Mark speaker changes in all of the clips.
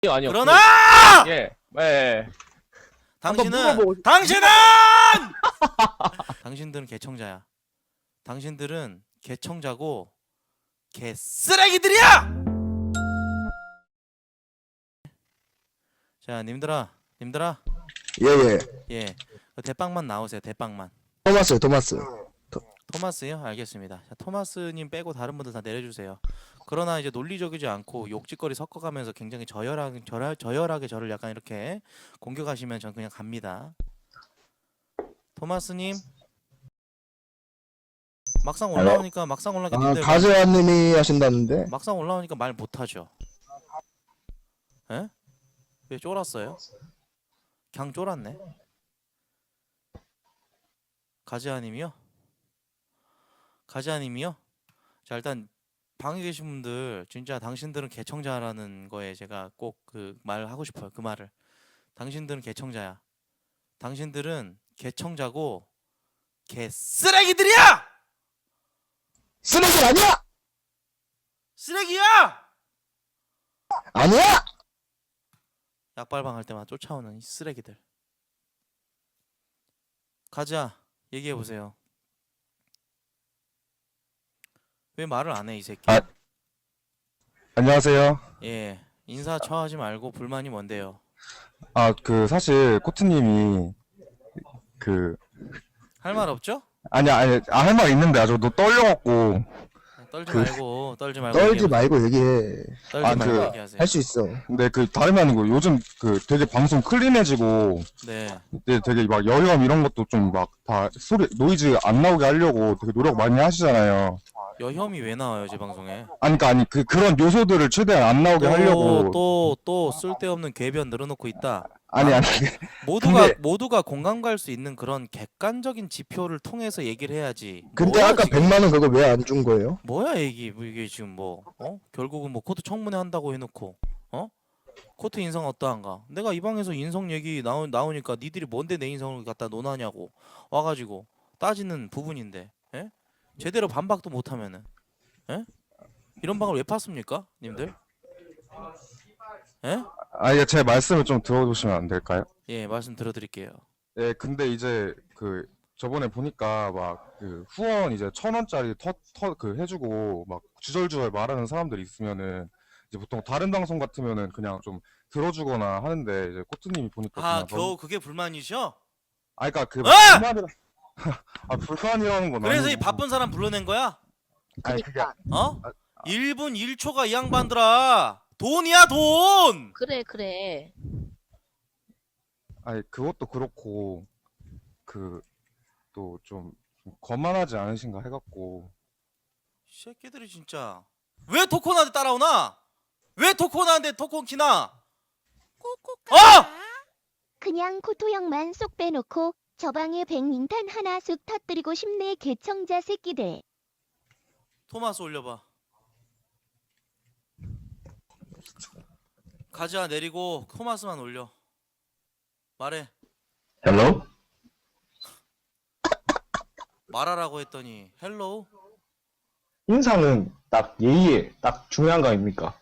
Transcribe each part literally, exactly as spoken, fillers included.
Speaker 1: 아니요.
Speaker 2: 그러나
Speaker 1: 그, 예, 예. 한번
Speaker 2: 당신은
Speaker 1: 물어보고 싶-
Speaker 2: 당신은 당신들은 개청자야. 당신들은 개청자고 개 쓰레기들이야. 자, 님들아, 님들아,
Speaker 3: 예예.
Speaker 2: 예, 그 대빵만 나오세요. 대빵만.
Speaker 3: 토마스 토마스.
Speaker 2: 토마스요? 알겠습니다. 자, 토마스님 빼고 다른 분들 다 내려주세요. 그러나 이제 논리적이지 않고 욕짓거리 섞어가면서 굉장히 저열하게 저열, 저열하게 저를 약간 이렇게 공격하시면 전 그냥 갑니다. 토마스님 막상 올라오니까 막상 올라오니까
Speaker 3: 아
Speaker 2: 님들
Speaker 3: 가즈아님이 하신다는데.
Speaker 2: 막상 올라오니까 말 못하죠. 에? 왜 쫄았어요? 그냥 쫄았네. 가지아님이요? 가지아님이요? 자, 일단 방에 계신 분들 진짜 당신들은 개청자라는 거에 제가 꼭 그 말 하고 싶어요. 그 말을. 당신들은 개청자야. 당신들은 개청자고 개 쓰레기들이야!
Speaker 3: 쓰레기 아니야.
Speaker 2: 쓰레기야!
Speaker 3: 아니야.
Speaker 2: 약발방 할 때마다 쫓아오는 이 쓰레기들. 가자. 얘기해 보세요. 왜 말을 안 해, 이 새끼?
Speaker 4: 아. 안녕하세요.
Speaker 2: 예. 인사 처하지 말고 불만이 뭔데요?
Speaker 4: 아, 그 사실 코트님이 그
Speaker 2: 할 말 없죠?
Speaker 4: 아니 아니 아, 할 말 있는데 아주 너 떨려갖고
Speaker 2: 떨지
Speaker 4: 그-
Speaker 2: 말고 떨지 말고
Speaker 3: 떨지
Speaker 2: 얘기해
Speaker 3: 말고 얘기해.
Speaker 2: 떨지
Speaker 4: 아,
Speaker 2: 말고
Speaker 4: 그-
Speaker 2: 얘기하세요.
Speaker 3: 할 수 있어.
Speaker 4: 근데 그 다름이 아니고 요즘 그 되게 방송 클린해지고
Speaker 2: 네.
Speaker 4: 이제 되게 막 여유감 이런 것도 좀 막 다 소리 노이즈 안 나오게 하려고 되게 노력 많이 하시잖아요.
Speaker 2: 여혐이 왜 나와요, 제 방송에?
Speaker 4: 아니 그러니까 아니 그 그런 요소들을 최대한 안 나오게 하려고
Speaker 2: 또 또 쓸데없는 궤변 늘어놓고 있다.
Speaker 4: 아니 아니
Speaker 2: 모두가
Speaker 4: 근데-
Speaker 2: 모두가 공감 갈 수 있는 그런 객관적인 지표를 통해서 얘기를 해야지.
Speaker 3: 근데
Speaker 2: 뭐야,
Speaker 3: 아까
Speaker 2: 지금?
Speaker 3: 백만 원 그거 왜 안 준 거예요?
Speaker 2: 뭐야 이게 뭐 이게 지금 뭐 어? 결국은 뭐 코트 청문회 한다고 해놓고 어? 코트 인성 어떠한가? 내가 이 방에서 인성 얘기 나오, 나오니까 니들이 뭔데 내 인성을 갖다 논하냐고 와가지고 따지는 부분인데 예? 제대로 반박도 못하면은 예? 이런 방을 왜 팠습니까? 님들? 예?
Speaker 4: 아니 제 말씀을 좀 들어주시면 안 될까요?
Speaker 2: 예 말씀 들어드릴게요.
Speaker 4: 예, 근데 이제 그 저번에 보니까 막 그 후원 이제 천 원짜리 터터 그 해주고 막 주절주절 말하는 사람들이 있으면은 이제 보통 다른 방송 같으면은 그냥 좀 들어주거나 하는데 이제 코트님이 보니까
Speaker 2: 아
Speaker 4: 그냥
Speaker 2: 겨우
Speaker 4: 너무
Speaker 2: 그게 불만이셔?
Speaker 4: 아 그러니까 그
Speaker 2: 아!
Speaker 4: 불만이라 아 불만이라는 건
Speaker 2: 그래서 이
Speaker 4: 아니고
Speaker 2: 바쁜 사람 불러낸 거야?
Speaker 4: 아니 그게
Speaker 2: 어?
Speaker 4: 아,
Speaker 2: 일 분 일 초가 이 양반들아 돈이야 돈!
Speaker 5: 그래 그래.
Speaker 4: 아니 그것도 그렇고 그 또 좀 거만하지 않으신가 해갖고
Speaker 2: 이 새끼들이 진짜 왜 토코나한테 따라오나? 왜 토코나한테 토콘 키나? 어!
Speaker 6: 그냥 코토형만 쏙 빼놓고 저 방에 백링탄 하나 쑥 터뜨리고 싶네 개청자 새끼들.
Speaker 2: 토마스 올려봐. 가지아 내리고 토마스만 올려. 말해.
Speaker 7: 헬로?
Speaker 2: 말하라고 했더니 헬로우?
Speaker 7: 인사는 딱 예의에 딱 중요한 거 아닙니까?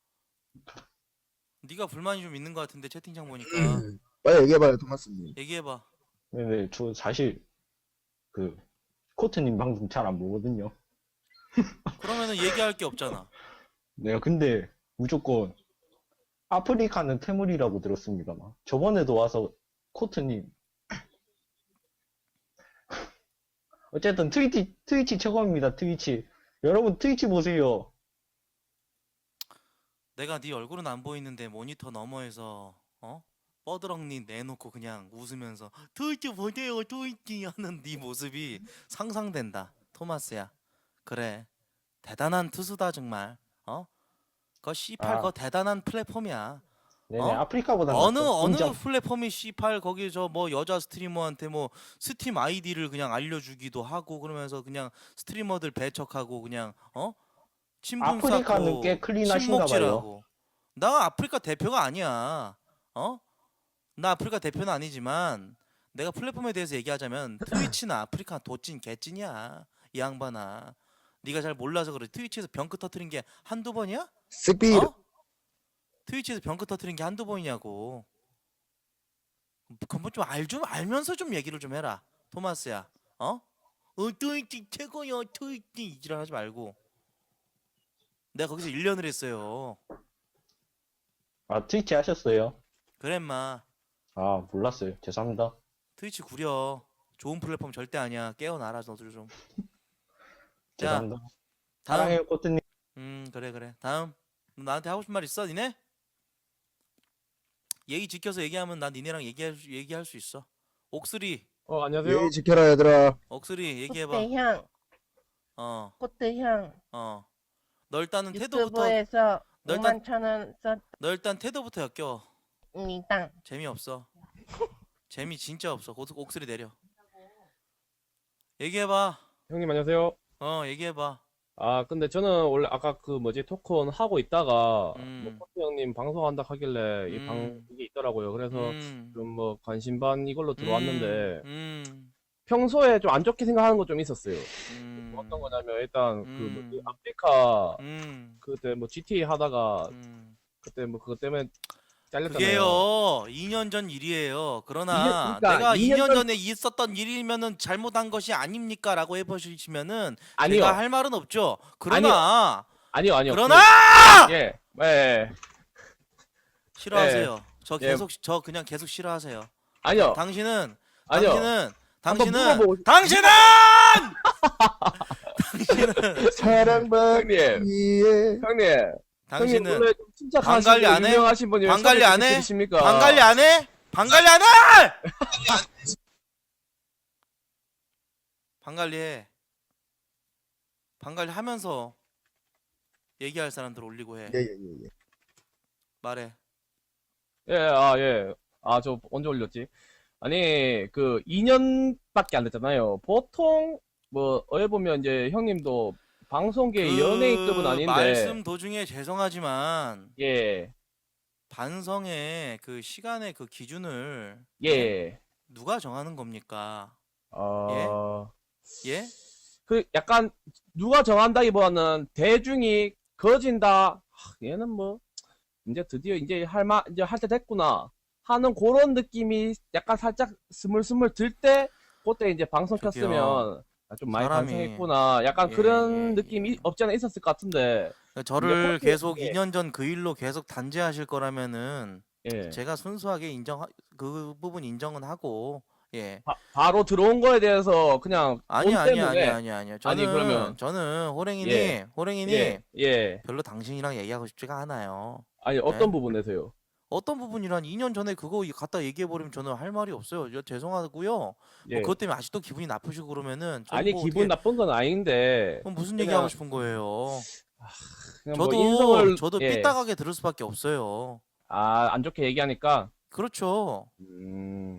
Speaker 2: 네가 불만이 좀 있는 것 같은데 채팅창 보니까
Speaker 3: 빨리 얘기해봐요 토마스님.
Speaker 2: 얘기해봐.
Speaker 7: 네네, 저 사실 그 코트님 방송 잘 안 보거든요.
Speaker 2: 그러면은 얘기할 게 없잖아.
Speaker 7: 내가 근데 무조건 아프리카는 태물이라고 들었습니다만 저번에도 와서 코트님 어쨌든 트위치 트위치 최고입니다. 트위치 여러분 트위치 보세요.
Speaker 2: 내가 네 얼굴은 안 보이는데 모니터 너머에서 어? 뻐드렁니 내놓고 그냥 웃으면서 트위치 보세요 트위치 하는 네 모습이 상상된다. 토마스야. 그래. 대단한 투수다 정말. 어? 그거 씨팔
Speaker 7: 아.
Speaker 2: 그거 대단한 플랫폼이야.
Speaker 7: 네네,
Speaker 2: 어?
Speaker 7: 아프리카보다
Speaker 2: 어느
Speaker 7: 낫죠.
Speaker 2: 어느
Speaker 7: 인정.
Speaker 2: 플랫폼이 씨팔 거기 저 뭐 여자 스트리머한테 뭐 스팀 아이디를 그냥 알려주기도 하고 그러면서 그냥 스트리머들 배척하고 그냥 어? 친분
Speaker 7: 아프리카는
Speaker 2: 쌓고
Speaker 7: 꽤 클린하신가
Speaker 2: 친목질하고. 나 아프리카 대표가 아니야. 어? 나 아프리카 대표는 아니지만 내가 플랫폼에 대해서 얘기하자면 트위치나 아프리카 도찐 개찐이야. 이 양반아. 네가 잘 몰라서 그래. 트위치에서 병크 터트린 게 한두 번이야?
Speaker 3: 스피드.
Speaker 2: 어? 트위치에서 병크 터트린 게 한두 번이냐고. 그건 좀 알 좀 알면서 좀 얘기를 좀 해라, 토마스야. 어? 어 트위치 최고야 트위치 이지랄 하지 말고. 내가 거기서 일 년을 했어요.
Speaker 7: 아, 트위치 하셨어요?
Speaker 2: 그래 마.
Speaker 7: 아, 몰랐어요. 죄송합니다.
Speaker 2: 트위치 구려. 좋은 플랫폼 절대 아니야. 깨어나라 너들 좀. 자,
Speaker 7: 죄송합니다.
Speaker 2: 다음.
Speaker 7: 사랑해요, 코트님.
Speaker 2: 음 그래 그래. 다음. 너 나한테 하고 싶은 말 있어, 니네? 예의 지켜서 얘기하면 난 니네랑 얘기할 수, 얘기할 수 있어. 옥스리,
Speaker 1: 어 안녕하세요.
Speaker 3: 예의 지켜라 얘들아.
Speaker 2: 옥스리 얘기해봐.
Speaker 5: 코트 형,
Speaker 2: 어,
Speaker 5: 코트 형,
Speaker 2: 어. 너 일단은 태도부터.
Speaker 5: 유튜브에서
Speaker 2: 너 일단-
Speaker 5: 오만 천 원
Speaker 2: 너 일단 태도부터 엮여.
Speaker 5: 썼습니다.
Speaker 2: 재미없어. 재미 진짜 없어. 옥- 옥스리 내려. 얘기해봐.
Speaker 1: 형님 안녕하세요.
Speaker 2: 어, 얘기해봐.
Speaker 1: 아 근데 저는 원래 아까 그 뭐지 토크온 하고 있다가
Speaker 2: 음.
Speaker 1: 뭐 코트 형님 방송한다 하길래 이 방
Speaker 2: 음.
Speaker 1: 이게 있더라고요. 그래서
Speaker 2: 음.
Speaker 1: 좀 뭐 관심 반 이걸로 들어왔는데
Speaker 2: 음.
Speaker 1: 평소에 좀 안 좋게 생각하는 거 좀 있었어요.
Speaker 2: 음.
Speaker 1: 어떤 거냐면 일단 그
Speaker 2: 음.
Speaker 1: 뭐지 아프리카
Speaker 2: 음.
Speaker 1: 그때 뭐 지티에이 하다가
Speaker 2: 음.
Speaker 1: 그때 뭐 그것 때문에 잘렸잖아요.
Speaker 2: 그게요 이 년 전 일이에요. 그러나
Speaker 1: 이 년- 그러니까
Speaker 2: 내가
Speaker 1: 이
Speaker 2: 이
Speaker 1: 년
Speaker 2: 년
Speaker 1: 전-
Speaker 2: 전에 있었던 일이면은 잘못한 것이 아닙니까라고 해보시면은
Speaker 1: 아니요.
Speaker 2: 제가 할 말은 없죠. 그러나
Speaker 1: 아니요 아니요.
Speaker 2: 그러나
Speaker 1: 그- 예. 예.
Speaker 2: 싫어하세요. 저
Speaker 1: 예.
Speaker 2: 계속 저 그냥 계속 싫어하세요.
Speaker 1: 아니요.
Speaker 2: 당신은
Speaker 1: 아니요.
Speaker 2: 당신은
Speaker 1: 한번
Speaker 2: 당신은
Speaker 1: 물어보고 싶-
Speaker 2: 당신은 당신은
Speaker 3: 사랑받기에
Speaker 1: 형님. 형님. 형님
Speaker 2: 당신은
Speaker 1: 원래 좀 침착하시고
Speaker 2: 방관리 안 해?
Speaker 1: 유명하신 분이
Speaker 2: 방관리 안 해?
Speaker 1: 계십니까?
Speaker 2: 방관리 안 해? 방관리 안 해? 방관리 해. 방관리 하면서 얘기할 사람들 올리고 해.
Speaker 3: 예예예 예.
Speaker 2: 말해.
Speaker 1: 예, 아, 예. 아, 저 언제 올렸지? 아니, 그 이 년밖에 안 됐잖아요. 보통 뭐 어에 보면 이제 형님도 방송계
Speaker 2: 그
Speaker 1: 연예인급은 아닌데
Speaker 2: 말씀 도중에 죄송하지만
Speaker 1: 예.
Speaker 2: 반성의 그 시간의 그 기준을
Speaker 1: 예.
Speaker 2: 누가 정하는 겁니까?
Speaker 1: 어,
Speaker 2: 예?
Speaker 1: 그 약간 누가 정한다기보다는 대중이 거진다. 하, 얘는 뭐 이제 드디어 이제 할마 이제 할 때 됐구나 하는 그런 느낌이 약간 살짝 스물스물 들 때 그때 이제 방송
Speaker 2: 저기요.
Speaker 1: 켰으면 아, 좀 많이
Speaker 2: 사람이-
Speaker 1: 반성했구나. 약간
Speaker 2: 예,
Speaker 1: 그런
Speaker 2: 예,
Speaker 1: 느낌이
Speaker 2: 예.
Speaker 1: 없지 않아 있었을 것 같은데.
Speaker 2: 저를
Speaker 1: 근데
Speaker 2: 계속
Speaker 1: 예.
Speaker 2: 이 년 전 그 일로 계속 단죄하실 거라면은
Speaker 1: 예.
Speaker 2: 제가 순수하게 인정 그 부분 인정은 하고 예.
Speaker 1: 바, 바로 들어온 거에 대해서 그냥
Speaker 2: 아니
Speaker 1: 돈
Speaker 2: 아니
Speaker 1: 때문에
Speaker 2: 아니 아니 아니요. 저는
Speaker 1: 아니, 그러면-
Speaker 2: 저는 호랭이니
Speaker 1: 예.
Speaker 2: 호랭이니
Speaker 1: 예. 예.
Speaker 2: 별로 당신이랑 얘기하고 싶지가 않아요.
Speaker 1: 아니 어떤
Speaker 2: 네?
Speaker 1: 부분에서요?
Speaker 2: 어떤 부분이란 이 년 전에 그거 갖다 얘기해 버리면 저는 할 말이 없어요. 저 죄송하고요.
Speaker 1: 예.
Speaker 2: 뭐 그것 때문에 아직도 기분이 나쁘시고 그러면은 저는
Speaker 1: 아니
Speaker 2: 뭐
Speaker 1: 기분
Speaker 2: 어떻게-
Speaker 1: 나쁜 건 아닌데
Speaker 2: 그럼 무슨
Speaker 1: 그냥-
Speaker 2: 얘기하고 싶은 거예요?
Speaker 1: 그냥 뭐
Speaker 2: 저도
Speaker 1: 인성을
Speaker 2: 저도
Speaker 1: 예.
Speaker 2: 삐딱하게 들을 수밖에 없어요.
Speaker 1: 아, 안 좋게 얘기하니까
Speaker 2: 그렇죠.
Speaker 1: 음.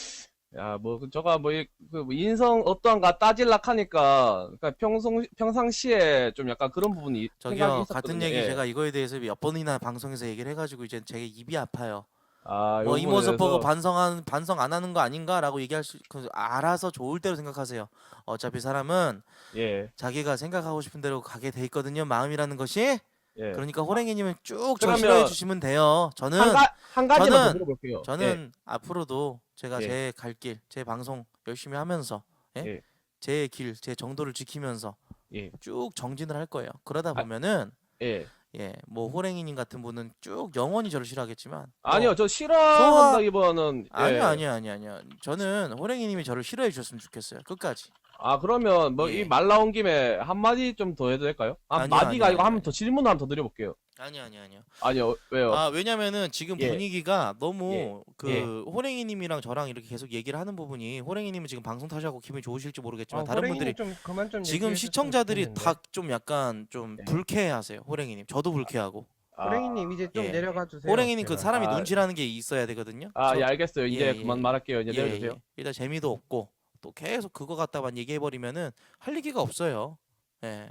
Speaker 1: 야, 뭐, 그 저가 뭐, 이- 그뭐 인성 어떠한가 따질락 하니까, 그러니까 평소, 평상시에 좀 약간 그런 부분이 생각이
Speaker 2: 저기요
Speaker 1: 있었거든요.
Speaker 2: 같은 얘기
Speaker 1: 예.
Speaker 2: 제가 이거에 대해서 몇 번이나 방송에서 얘기를 해가지고 이제 제 입이 아파요.
Speaker 1: 아,
Speaker 2: 뭐 이
Speaker 1: 요
Speaker 2: 모습 보고
Speaker 1: 부분에서
Speaker 2: 반성한 반성 안 하는 거 아닌가라고 얘기할 수 그, 알아서 좋을 대로 생각하세요. 어차피 사람은
Speaker 1: 예,
Speaker 2: 자기가 생각하고 싶은 대로 가게 돼 있거든요. 마음이라는 것이.
Speaker 1: 예.
Speaker 2: 그러니까 호랭이님은 쭉 저
Speaker 1: 그러면
Speaker 2: 싫어해 주시면 돼요. 저는
Speaker 1: 한, 가, 한 가지만 더
Speaker 2: 저는-
Speaker 1: 물어볼게요.
Speaker 2: 저는 앞으로도 제가
Speaker 1: 예.
Speaker 2: 제 갈 길, 제 방송 열심히 하면서 예?
Speaker 1: 예.
Speaker 2: 제 길, 제 정도를 지키면서
Speaker 1: 예.
Speaker 2: 쭉 정진을 할 거예요. 그러다
Speaker 1: 아,
Speaker 2: 보면은
Speaker 1: 예.
Speaker 2: 예, 뭐 호랭이님 같은 분은 쭉 영원히 저를 싫어하겠지만 뭐
Speaker 1: 아니요, 저 싫어한다기보다는, 예.
Speaker 2: 아니요, 아니요, 아니요, 아니요. 저는 호랭이님이 저를 싫어해 주셨으면 좋겠어요. 끝까지.
Speaker 1: 아, 그러면 뭐
Speaker 2: 예.
Speaker 1: 이 말 나온 김에 한마디 좀 더 해도 될까요? 아,
Speaker 2: 아니요,
Speaker 1: 마디가
Speaker 2: 아니요,
Speaker 1: 아니고
Speaker 2: 아니요,
Speaker 1: 한번 더 질문 한번 더 드려볼게요.
Speaker 2: 아니요, 아니요, 아니요.
Speaker 1: 아니요, 왜요?
Speaker 2: 아, 왜냐면은 지금
Speaker 1: 예.
Speaker 2: 분위기가 너무
Speaker 1: 예.
Speaker 2: 그
Speaker 1: 예.
Speaker 2: 호랭이님이랑 저랑 이렇게 계속 얘기를 하는 부분이 호랭이님은 지금 방송 타시고 기분이 좋으실지 모르겠지만
Speaker 5: 아,
Speaker 2: 다른
Speaker 5: 호랭이님
Speaker 2: 분들이
Speaker 5: 좀 그만 좀
Speaker 2: 지금
Speaker 5: 얘기해줬으면
Speaker 2: 시청자들이
Speaker 5: 좋겠는데.
Speaker 2: 다 좀 약간 좀
Speaker 1: 예.
Speaker 2: 불쾌해하세요. 호랭이님. 저도 불쾌하고.
Speaker 1: 아,
Speaker 5: 호랭이님 이제 좀
Speaker 2: 예.
Speaker 5: 내려가 주세요.
Speaker 2: 호랭이님 그
Speaker 5: 제발.
Speaker 2: 사람이
Speaker 1: 아.
Speaker 2: 눈치라는 게 있어야 되거든요.
Speaker 1: 아,
Speaker 2: 저-
Speaker 1: 예, 알겠어요. 이제
Speaker 2: 예, 예.
Speaker 1: 그만 말할게요. 이제
Speaker 2: 예,
Speaker 1: 내려주세요.
Speaker 2: 예. 일단 재미도 없고 또 계속 그거 갖다만 얘기해 버리면은 할 얘기가 없어요. 예.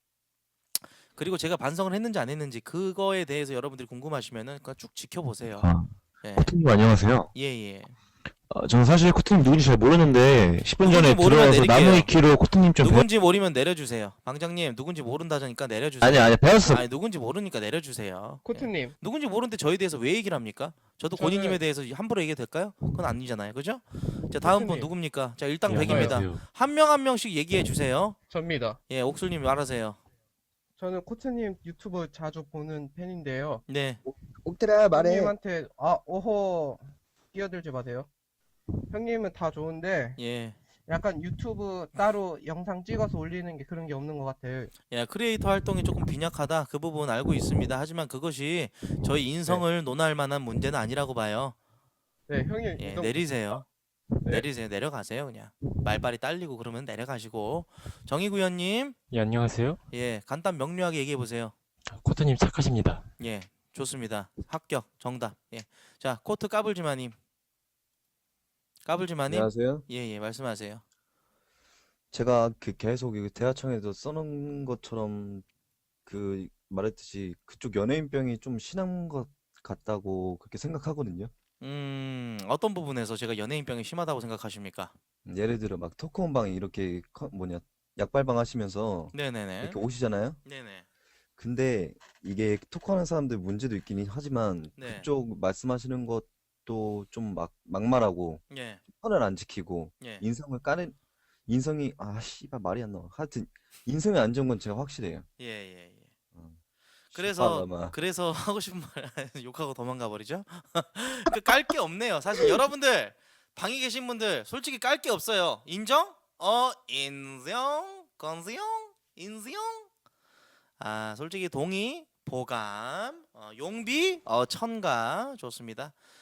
Speaker 2: 그리고 제가 반성을 했는지 안 했는지 그거에 대해서 여러분들이 궁금하시면은 그냥 쭉 지켜보세요.
Speaker 8: 아,
Speaker 2: 예.
Speaker 8: 코트님 안녕하세요.
Speaker 2: 예, 예.
Speaker 3: 어, 저는 사실 코트님 누군지 잘 모르는데 십 분 전에
Speaker 2: 누군지 모르면
Speaker 3: 들어와서
Speaker 2: 내릴게요.
Speaker 3: 나무 위키로 코트님 좀 배웠...
Speaker 2: 누군지 모르면 내려주세요. 방장님 누군지 모른다니까 내려주세요.
Speaker 3: 아니 아니 배웠어.
Speaker 2: 아니 누군지 모르니까 내려주세요. 예.
Speaker 5: 코트님.
Speaker 2: 누군지 모르는데 저에 대해서 왜 얘기를 합니까? 저도
Speaker 5: 저는-
Speaker 2: 고객님에 대해서 함부로 얘기해도 될까요? 그건 아니잖아요, 그죠? 자 다음 분
Speaker 5: 코트님.
Speaker 2: 누굽니까? 자 일당
Speaker 3: 예,
Speaker 2: 백입니다.
Speaker 3: 안녕하세요.
Speaker 2: 한 명 한 명씩 얘기해 주세요.
Speaker 5: 접니다.
Speaker 2: 예, 옥술님 말하세요.
Speaker 5: 저는 코트님 유튜브 자주 보는 팬인데요.
Speaker 2: 네,
Speaker 3: 옥들아
Speaker 5: 형님한테 아 오호 끼어들지 마세요. 형님은 다 좋은데
Speaker 2: 예,
Speaker 5: 약간 유튜브 따로 영상 찍어서 올리는 게 그런 게 없는 것 같아요.
Speaker 2: 예, 크리에이터 활동이 조금 빈약하다 그 부분 알고 있습니다. 하지만 그것이 저희 인성을 논할 만한 문제는 아니라고 봐요.
Speaker 5: 네, 형님
Speaker 2: 예,
Speaker 5: 이거
Speaker 2: 내리세요.
Speaker 5: 네.
Speaker 2: 내리세요. 내려가세요 그냥. 말발이 딸리고 그러면 내려가시고. 정의구현님,
Speaker 8: 예, 안녕하세요.
Speaker 2: 예, 간단 명료하게 얘기해 보세요.
Speaker 8: 코트님 착하십니다.
Speaker 2: 예, 좋습니다. 합격, 정답. 예, 자 코트 까불지마님, 까불지마님,
Speaker 9: 안녕하세요.
Speaker 2: 예, 예, 말씀하세요.
Speaker 9: 제가 그 계속 이 대화창에도 써놓은 것처럼 그 말했듯이 그쪽 연예인병이 좀 심한 것 같다고 그렇게 생각하거든요.
Speaker 2: 음, 어떤 부분에서 제가 연예인병이 심하다고 생각하십니까?
Speaker 9: 예를 들어 막 토크온방에 이렇게 커- 뭐냐 약발방 하시면서
Speaker 2: 네네네.
Speaker 9: 이렇게 오시잖아요.
Speaker 2: 네네.
Speaker 9: 근데 이게 토크하는 사람들 문제도 있긴 하지만
Speaker 2: 네.
Speaker 9: 그쪽 말씀하시는 것도 좀 막 막말하고
Speaker 2: 예,
Speaker 9: 선을 안 지키고
Speaker 2: 예.
Speaker 9: 인성을 까는 인성이 아 씨발 말이 안 나와. 하여튼 인성이 안 좋은 건 제가 확실해요.
Speaker 2: 예, 예, 예.
Speaker 9: 어.
Speaker 2: 그래서
Speaker 9: 씨발놈아.
Speaker 2: 그래서 하고 싶은 말 욕하고 도망가 버리죠. 그 깔 게 없네요. 사실 여러분들 방에 계신 분들 솔직히 깔 게 없어요. 인정? 어 인정? 건수용? 인수용? 아 솔직히 동의, 보감, 어, 용비, 어, 천가 좋습니다.